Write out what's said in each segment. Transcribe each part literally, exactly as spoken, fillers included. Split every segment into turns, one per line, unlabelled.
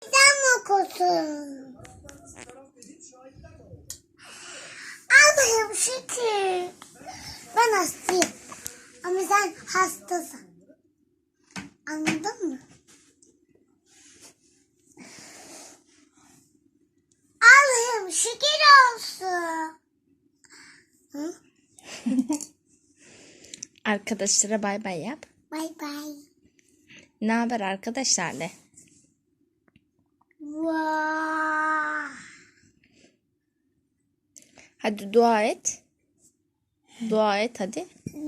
Sen mi okusun? Allah'ım şükür. Ben hastayım. Ama sen hastasın. Anladın mı? Allah'ım şükür olsun. Hı?
Arkadaşlara bay bay yap.
Bay bay.
Ne haber arkadaşlar de.
Vaa.
Hadi dua et. Dua et hadi.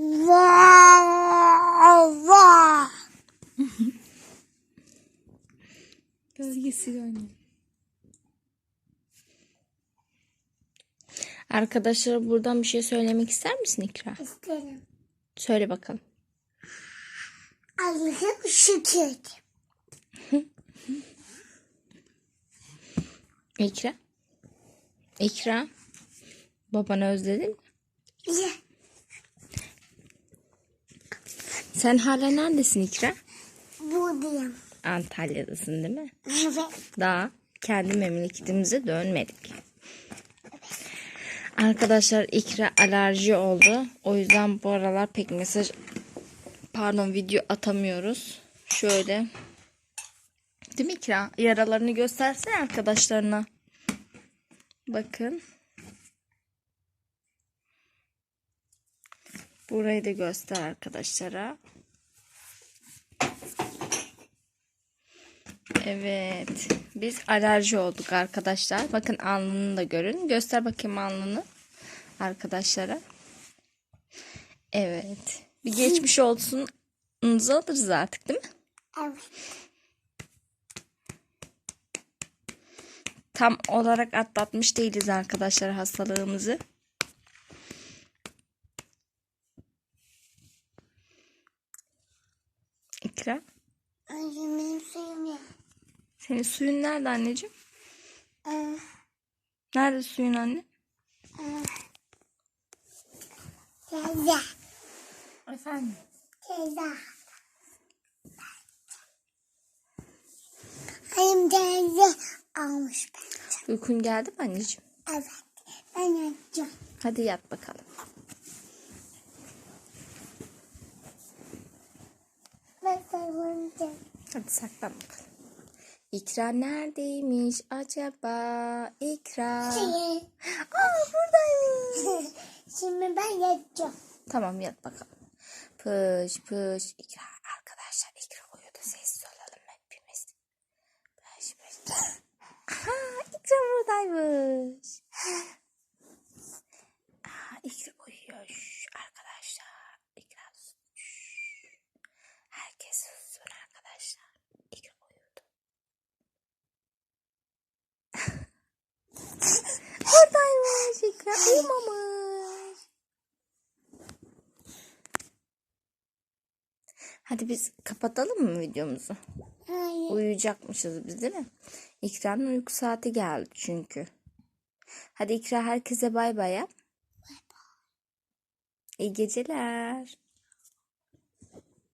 Vaa. Vaa.
Gölgesi oynuyor. Arkadaşlara buradan bir şey söylemek ister misin İkra?
İsterim.
Söyle bakalım.
Allah'ım şükür.
İkra. İkra. Babanı özledin mi?
Ya.
Sen hala neredesin İkra?
Buradayım.
Antalya'dasın değil mi?
Evet.
Daha kendi memleketimize dönmedik. Arkadaşlar İkra alerji oldu. O yüzden bu aralar pek mesaj pardon video atamıyoruz. Şöyle. Değil mi İkra? Yaralarını göstersene arkadaşlarına. Bakın. Burayı da göster arkadaşlara. Evet. Biz alerji olduk arkadaşlar. Bakın alnını da görün. Göster bakayım alnını arkadaşlara. Evet. Bir geçmiş olsununuzu alırız artık değil mi?
Evet.
Tam olarak atlatmış değiliz arkadaşlar hastalığımızı. İkra.
Anneciğim benim suyum ya.
Senin suyun nerede anneciğim?
Ee,
Nerede suyun anne?
e, teyze.
Efendim?
Teyze. Hayım teyze almış bence.
Uykun geldi mi anneciğim?
Evet. Ben yatacağım.
Hadi yat bakalım.
Ben sarılacağım.
Hadi saklan bakalım. İkra neredeymiş acaba? İkra.
Şey,
Aa buradaymış.
şimdi ben yatacağım.
Tamam yat bakalım. Pış pış. İkra arkadaşlar İkra uyudu. Sessiz olalım hepimiz. Pış pış. Aha İkra buradaymış. Aa, İkra uyuyor. Şş, arkadaşlar. İkra şş. Herkes sussun arkadaşlar. İkra uyudu. Oradaymış. İkra uyumamış. Hadi biz kapatalım mı videomuzu?
Hayır.
Uyuyacakmışız biz değil mi? İkra'nın uyku saati geldi çünkü. Hadi İkra herkese bay bay yap. İyi geceler.